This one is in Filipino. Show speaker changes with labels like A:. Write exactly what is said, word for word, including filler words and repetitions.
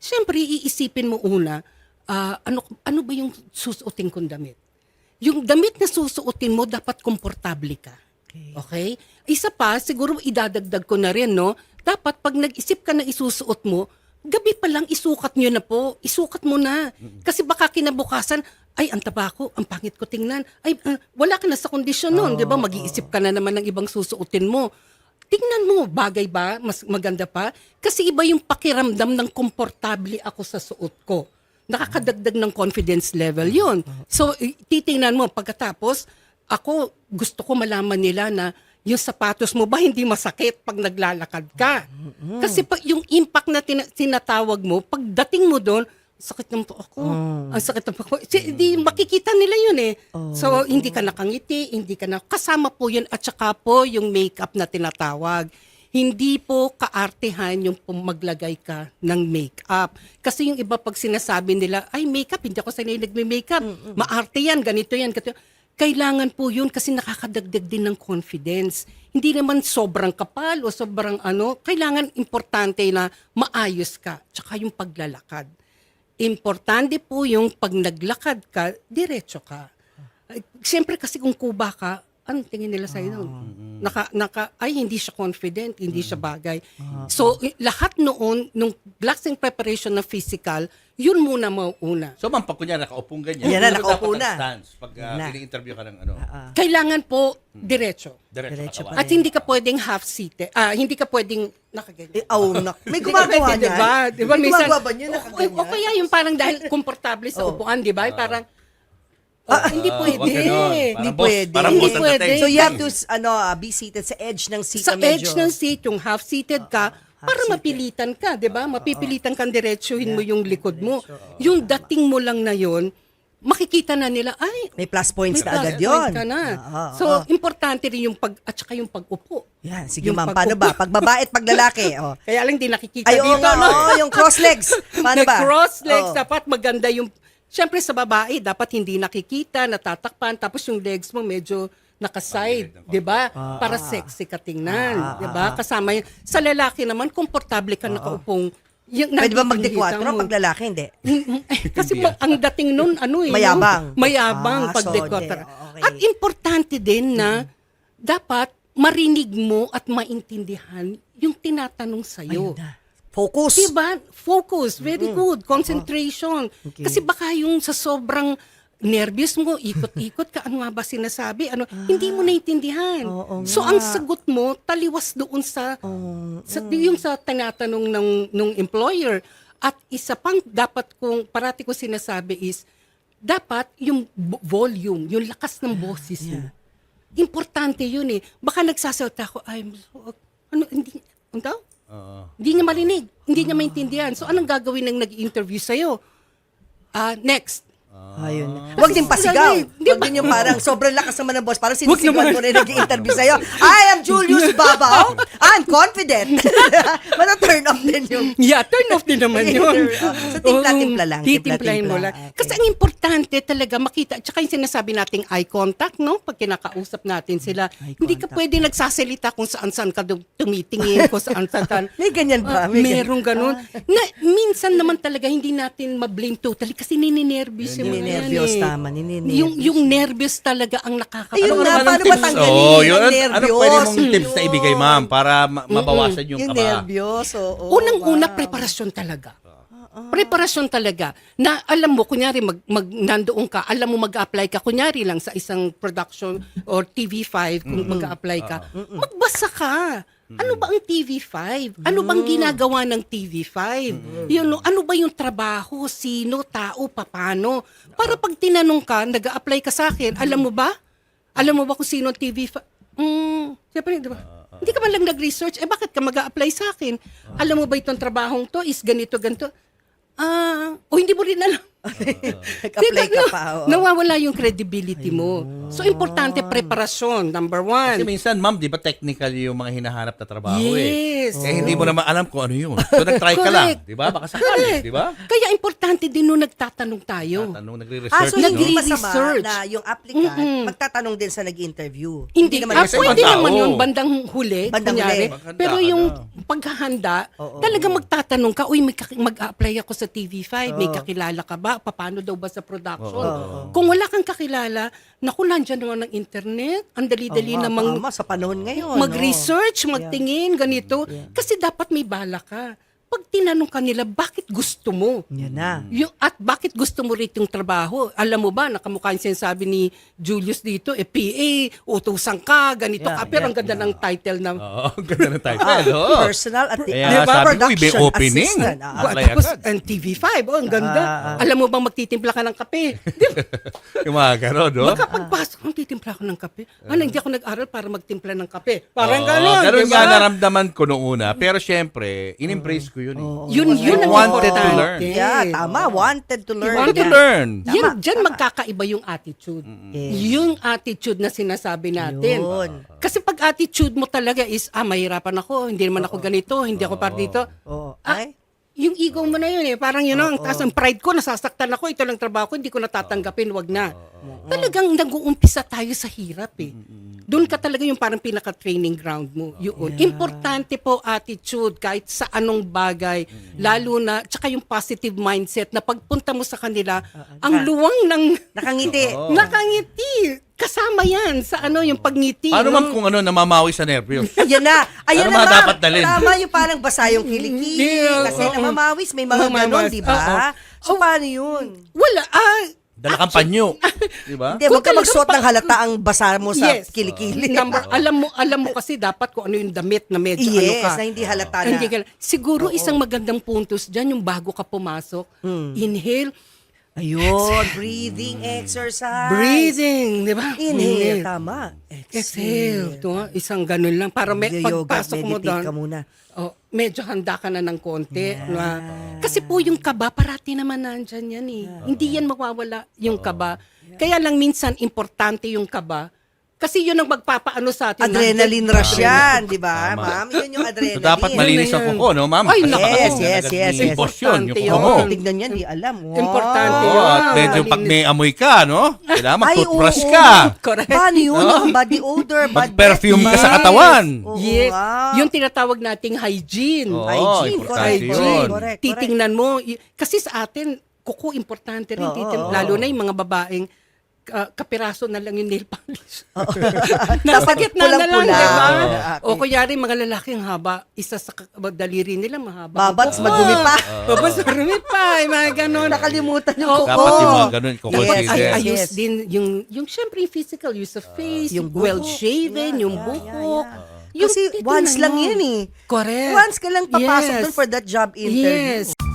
A: Siyempre, iisipin mo una, ah, ano, ano ba yung susuotin kong damit? Yung damit na susuotin mo, dapat komportable ka.
B: Okay.
A: Okay? Isa pa, siguro idadagdag ko na rin, no? Dapat pag nag-isip ka na isusuot mo, gabi pa lang isukat nyo na po. Isukat mo na. Kasi baka kinabukasan, ay, ang taba ko, ang pangit ko tingnan. Ay, ah, wala ka na sa kondisyon nun, di ba? Mag-iisip ka na naman ng ibang susuotin mo. Tingnan mo, bagay ba? Mas maganda pa? Kasi iba yung pakiramdam ng komportable ako sa suot ko. Nakakadagdag ng confidence level yun. So, i- titingnan mo, pagkatapos, ako, gusto ko malaman nila na yung sapatos mo ba hindi masakit pag naglalakad ka? Kasi pag yung impact na tina- tinatawag mo, pagdating mo doon, sakit ng po ako. Ang sakit ng po ako. Si- Di makikita nila yun eh. So, hindi ka nakangiti, hindi ka na, kasama po yun at saka po yung makeup na tinatawag. Hindi po kaartehan yung pum- maglagay ka ng makeup. Kasi yung iba pag sinasabi nila, ay makeup, hindi ako sanay nagme-makeup. Maarte yan, ganito yan, ganito. Kailangan po yun kasi nakakadagdag din ng confidence. Hindi naman sobrang kapal o sobrang ano. Kailangan importante na maayos ka. Tsaka yung paglalakad. Importante po yung pag naglakad ka, diretso ka. Ay, siyempre kasi kung kuba ka, anong tingin nila sa'yo doon? Naka, naka, ay, hindi siya confident, hindi siya bagay. So, i- lahat noon, nung glassing preparation na physical, yun muna mauuna.
C: So, ma'am, pag kunya nakaupong ganyan,
B: Yan na,
C: ano
B: nakaupo
C: dapat ang
B: na.
C: stance pag uh,
B: Yan na.
C: ini-interview ka ng ano,
A: Kailangan po, diretso.
C: diretso
B: Diretso
C: katawan.
B: pa
A: At hindi ka pwedeng half-seated. Ah, hindi ka pwedeng nakaganyan.
B: Eh, oh, nak- may
A: Hindi ka
B: gumagawa
A: pwede,
B: niyan.
A: diba? Diba,
B: May
A: minsan-
B: gumagawa ba niya
A: o,
B: nakaganyan?
A: o kaya yung parang dahil komportable sa
B: Oh.
A: upuan, di ba? Parang, ah, hindi
C: Ah,
A: pwede.
C: wag ganon.
B: Hindi
C: Parang boss-
B: pwede.
C: Parang
A: Hindi
C: boss ang
A: pwede.
C: dating.
B: So you have to ano uh, be seated sa edge ng seat
A: Sa
B: na medyo.
A: edge ng seat, yung half-seated ka, para
B: half-seated.
A: mapilitan ka, di ba? Mapipilitan kang diretsuhin mo yung likod mo. Yung dating mo lang na yon, makikita na nila, ay,
B: May plus points
A: may
B: na
A: plus
B: agad
A: point
B: yun.
A: ka na.
B: Oo,
A: So,
B: oo.
A: importante rin yung pag, at saka yung pag-upo.
B: Yan, sige
A: Yung
B: ma'am, paano ba?
A: pag-upo.
B: Pag babae at pag lalaki. Oh.
A: Kaya lang di nakikita
B: Ay, oo
A: dito,
B: nga,
A: no?
B: oo, yung cross legs. Paano ba?
A: cross legs,
B: Oo.
A: dapat maganda yung, syempre sa babae, dapat hindi nakikita, natatakpan, tapos yung legs mo medyo nakaside, di ba? Para sexy ka tingnan,
B: Ah,
A: di ba? Kasama yun. Sa lalaki naman, komportable ka nakaupong. Yung,
B: Pwede ba
A: nakikita
B: magdekwatro
A: mo.
B: pag lalaki? Hindi.
A: Kasi ma- ang dating nun, ano eh. no?
B: Mayabang.
A: Mayabang
B: Ah,
A: pag
B: so,
A: dekwatra.
B: de- okay.
A: At importante din na dapat marinig mo at maintindihan yung tinatanong sa'yo.
B: Ayun na. Focus.
A: Diba? Focus. Very good. Concentration.
B: Okay.
A: Kasi baka yung sa sobrang nervous mo, ikot-ikot ka, ano nga ba sinasabi? Ano, hindi mo naintindihan.
B: Ah. Oo
A: So,
B: nga.
A: ang sagot mo, taliwas doon sa, sa yung sa tinatanong ng, ng employer. At isa pang dapat kong, parati ko sinasabi is, dapat yung bo- volume, yung lakas ng boses mo. Importante yun eh. Baka nagsasalita ko, I'm so, ano, hindi, ano daw?
C: Oo.
A: Hindi niya marinig. Hindi niya maintindihan. So, anong gagawin ng nag-interview sa'yo? Ah, next.
B: Ayun. Huwag din pasigaw.
A: Di
B: Huwag
A: ba?
B: din yung parang sobrang lakas naman ng boss. Parang sinisigaw
A: naman.
B: mo rin nag-interview sa'yo. I am Julius Babaw. I'm confident. Mata-turn off din yung...
A: Yeah, turn off din naman yun.
B: So, timpla-timpla lang,
A: Oo, Titimplahin mo
B: timpla-timpla.
A: lang.
B: Okay.
A: Kasi ang importante talaga makita, tsaka yung sinasabi nating eye contact, no? Pag kinakausap natin sila,
B: Eye
A: hindi ka
B: contact.
A: pwede nagsasalita kung saan-saan ka dum- tumitingin, kung saan-saan.
B: May ganyan ba?
A: Ah,
B: May ganyan.
A: merong ganun. Na, minsan naman talaga hindi natin ma-blame totally kasi nininervous yung mga yan
B: Nininervyos,
A: eh.
B: tama, nininervyos.
A: Yung, yung nervous talaga ang nakaka...
B: Ayun
C: Ano
B: nga,
C: naman
B: paano
C: ang
B: ba
C: tips?
B: tanggalin
C: Oo,
B: yung
C: yun. Ano
B: nervyos?
C: pwede mong tips na ibigay, ma'am, para ma- mabawasan yung
B: Yung
C: kaba?
B: nervyos, oo.
A: Unang-una,
B: wow.
A: preparasyon talaga. Preparasyon talaga. Na alam mo, kunyari, mag, mag, nandoon ka, alam mo mag-apply ka, kunyari lang sa isang production or T V five, kung mag-apply ka, magbasa ka. Ano ba ang T V five? Ano bang ginagawa ng T V five? Yun, no, ano ba yung trabaho? Sino? Tao? Papano? Para pag tinanong ka, nag-apply ka sa akin, alam mo ba? Alam mo ba kung sino ang T V five? Hmm, siyempre, di ba? Hindi ka man lang nag-research, eh bakit ka mag-a-apply sa akin? Alam mo ba itong trabahong to is ganito, ganito? Ah, o hindi mo rin alam.
B: Nag-apply ka
A: no,
B: pa. oo.
A: nawawala yung credibility mo. So, importante preparasyon, number one.
C: Kasi minsan, ma'am, di ba technical yung mga hinahanap na trabaho
A: Yes.
C: eh. Eh, hindi mo naman alam kung ano yun. So, nag-try ka lang.
A: Correct.
C: Di ba? Baka sakali,
A: Correct.
C: di ba?
A: Kaya importante din nung nagtatanong tayo.
C: Tanong,
B: Ah,
C: nagre-research,
B: so
C: no?
B: hindi masama
A: Nagre-research.
B: na yung applicant
A: Mm-mm.
B: magtatanong din sa nag-interview.
A: Hindi,
B: naman
A: ah,
B: yung-
C: Kasi
A: pwede
C: ibang
A: naman
C: tao.
A: yun, bandang huli,
B: Bandang
A: kunyari.
B: huli.
C: Maghanda
A: Pero
C: ka
A: yung
C: na.
A: paghahanda,
B: Oo.
A: talagang magtatanong ka, uy, may kaki- mag-apply ako sa T V five, may
B: Oo.
A: kakilala ka ba? Paano daw ba sa production?
B: Oo.
A: Kung wala kang kakilala, naku, nandyan naman ng internet, ang dali-dali
B: Oo,
A: namang
B: tama, sa panahon ngayon.
A: mag-research, magtingin, ganito. Kasi dapat may bala ka. Pag tinanong ka nila, bakit gusto mo?
B: Oh. Yan na.
A: Yung, at bakit gusto mo rito yung trabaho? Alam mo ba, nakamukha yung sinasabi ni Julius dito, eh, P A, utusan ka, ganito
B: Yeah,
A: ka. Pero
B: yeah,
A: ang ganda ng title na,
C: Oo, ganda ng title.
B: Ah,
C: oo.
B: personal at
C: Kaya
B: di ba,
C: sabi ko, may
B: production
C: opening.
B: assistant. Ah,
C: Ah, apply
A: tapos
C: agad.
A: ang T V five, oh, ang ganda.
B: Ah, ah.
A: Alam mo bang magtitimpla ka ng kape? Di ba?
C: Yung mga gano'n, no?
A: Makapagpasok, ang titimpla ako ng kape. Ano, hindi ako nag-aral para magtimpla ng kape. Parang
C: Oo,
A: gano'n,
C: ganun
A: di
C: nga
A: ba?
C: naramdaman ko noong una. Pero syempre, in-embrace ko yun. Eh.
A: Yun, yun ang
C: Wanted to
A: importante.
C: learn.
B: Yeah, tama. Wanted to learn.
C: Want to
B: Yan.
C: learn.
A: Yan,
B: Tama,
A: dyan
B: tama.
A: magkakaiba yung attitude.
B: Yes.
A: Yung attitude na sinasabi natin.
B: Yun.
A: Kasi pag attitude mo talaga is, ah, mahirapan ako, hindi naman ako ganito, hindi ako para dito.
B: Oo.
A: Ah,
B: Ay,
A: yung ego mo na yun eh. Parang yun ang taas ng pride ko, nasasaktan ako, ito lang trabaho ko, hindi ko natatanggapin, wag na. Talagang nag-uumpisa tayo sa hirap eh. Doon ka talaga yung parang pinaka-training ground mo. Yun. Importante po attitude kahit sa anong bagay. Lalo na, tsaka yung positive mindset na pagpunta mo sa kanila, ang luwang ng
B: nakangiti.
A: nakangiti. Kasama yan sa ano yung pagngiti.
C: Paano
A: no?
C: ma'am kung ano, namamawi sa nervyos?
B: Ayan na. Ayan
C: Ano
B: na,
C: mga
B: ma'am.
C: dapat dalhin?
B: Tama yung parang basa yung kilikili.
A: Yeah,
B: Kasi
A: oo.
B: namamawis, may mga ganon,
A: Namamawis,
B: di ba?
A: oo.
B: So, paano yun?
A: Wala. Ah,
C: Dala kang panyo. Di ba?
B: Hindi, huwag ka
A: Kung
B: magsuot
A: talagang
B: ng halata ang basa mo sa
A: Yes.
B: kilikili.
A: Number, alam mo, alam mo kasi dapat kung ano yung damit na medyo ano
B: Yes,
A: ka.
B: na hindi halata na.
A: Hindi ka- siguro isang magandang puntos dyan, yung bago ka pumasok,
B: Hmm.
A: inhale,
B: Ayun, breathing exercise.
A: breathing, di ba?
B: Inhale, tama.
A: Exhale. Ito, ah, isang ganun lang. Para may,
B: Yoga,
A: pagpasok mo
B: meditate
A: doon,
B: ka muna.
A: oh, medyo handa ka na ng konti. Na, kasi po yung kaba, parati naman nandyan yan eh. Hindi yan mawawala yung kaba. Kaya lang minsan importante yung kaba. Kasi yun ang magpapaano sa atin.
B: Adrenaline
A: Nandyan-
B: rush yan, di ba,
C: Tama.
B: ma'am? Yun yung
C: So,
B: adrenaline.
C: dapat malinis ang kuko, no, ma'am?
A: Ay,
C: Kasi
A: naku.
C: baka
B: Yes,
C: agad
B: yes,
C: may
B: yes, yes.
C: impos yun, yung
A: Importante
C: kuko mo.
A: yun.
B: Tignan yan, di alam. Wow.
A: Importante
C: Oo,
A: yun.
C: at medyo pag may amoy ka, no? Kailangan
B: Ay,
C: mag-toothbrush
B: oo.
C: ka.
A: Correct.
B: Paano yun?
C: No?
B: Ang body odor, body
C: Mag-perfume ka sa
A: Yes.
C: katawan.
B: Oo
A: Yes.
B: nga.
A: Yung tinatawag nating hygiene.
C: Oo,
B: Hygiene,
C: importante
B: correct.
C: yun.
A: Hygiene.
B: Correct,
A: Titingnan mo. Y- Kasi sa atin, kuko importante rin.
B: Oo,
A: Titin-
B: oo.
A: lalo na yung mga babaeng ah, kapiraso na lang yung nail polish.
B: Dapat
A: Nasa gitna na lang,
B: pulang-pula.
A: di ba?
B: Oo.
A: O kunyari, mga lalaking haba, isa sa ka- daliri nila mahaba.
B: Babats,
A: Oo.
B: madumi pa.
A: Babats, madumi pa. Yung mga ganon.
B: Nakalimutan yung
A: Oo.
B: kuko.
C: Dapat yung mga ganun, kuko
A: Yes,
C: consider.
A: ay,
B: yes.
A: ayos din yung yung syempre yung physical use of face,
B: Yung
A: yung
B: buhok.
A: well shaven,
B: Yeah,
A: yung
B: yeah,
A: buhok.
B: yeah, yeah.
A: Yung
B: Kasi
A: titingnan
B: once lang
A: mo.
B: yan eh.
A: Correct.
B: Once ka lang papasok
A: Yes.
B: dun for that job interview.
A: Yes.